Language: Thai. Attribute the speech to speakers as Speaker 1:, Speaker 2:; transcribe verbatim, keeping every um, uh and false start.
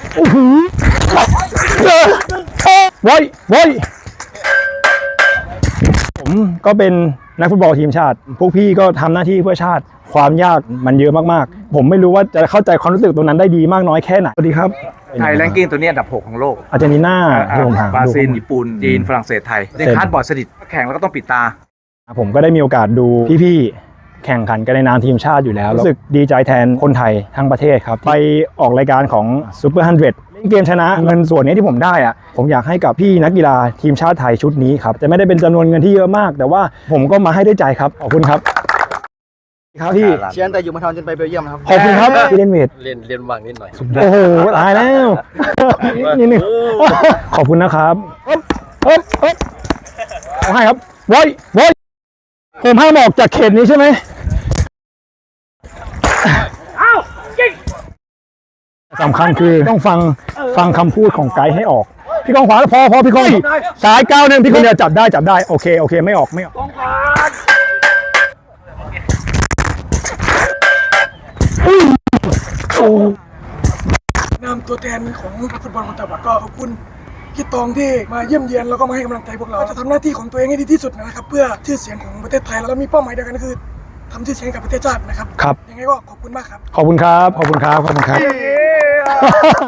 Speaker 1: โอ้โหโว้ยโว้ยผมก็เป็นนักฟุตบอลทีมชาติพวกพี่ก็ทำหน้าที่เพื่อชาติความยากมันเยอะมากๆผมไม่รู้ว่าจะเข้าใจความรู้สึกตรงนั้นได้ดีมากน้อยแค่ไหนสวัสดีครับ
Speaker 2: ไทยแรงกิ้งตัวนี้อันดับหกของโลก
Speaker 1: อาร์เจนตินาที่ผมถาม
Speaker 2: บราซิลญี่ปุ่นจีนฝรั่งเศสไทยในคาร์ดบอร์ดสนิทแข่งแล้วก็ต้องปิดตา
Speaker 1: ผมก็ได้มีโอกาสดูพี่ๆแข่งขันกันในนามทีมชาติอยู่แล้วรู้สึกดีใจแทนคนไทยทั้งประเทศครับไปออกรายการของซูเปอร์ฮันเดรดเล่นเกมชนะเงินส่วนนี้ที่ผมได้อะผมอยากให้กับพี่นักกีฬาทีมชาติไทยชุดนี้ครับจะไม่ได้เป็นจำนวนเงินที่เยอะมากแต่ว่าผมก็มาให้ด้วยใจครับขอบคุณครับครับพี่
Speaker 3: เชียร์แต่อยู่มาทอนจนไปเบลเยียมครับ
Speaker 1: ขอบคุณครับพี่เล่นเวท
Speaker 4: เล่นเล่นวางนิดหน่อย
Speaker 1: โอ้โหตายแล้วนิดนึงขอบคุณนะครับเอ๊บเอ๊บเอ๊บเอาให้ครับโว้ยโว้ยผมห้ามออกจากเขตนี้ใช่ไหมสำคัญคือต้องฟังฟังคำพูดของไกด์ให้ออกพี่กองขวาพอพอพี่กองสายก้าวหนึ่งพี่กองเดียวจับได้จับได้โอเคโอเคไม่ออกไม่ออก
Speaker 5: นามตัวแทนของนักฟุตบอลคนตาบอดก็ขอบคุณพี่ตองที่มาเยี่ยมเยียนแล้วก็มาให้กำลังใจพวกเราจะทำหน้าที่ของตัวเองให้ดีที่สุดนะครับเพื่อชื่อเสียงของประเทศไทยแล้วมีเป้าหมายเดียวกันก็คือทำชื่อเสียงกับประเทศชาตินะครับ
Speaker 1: ครับ
Speaker 5: ยังไงก็ขอบคุณมากครับ
Speaker 1: ขอบคุณครับขอบคุณครับขอบคุณครับ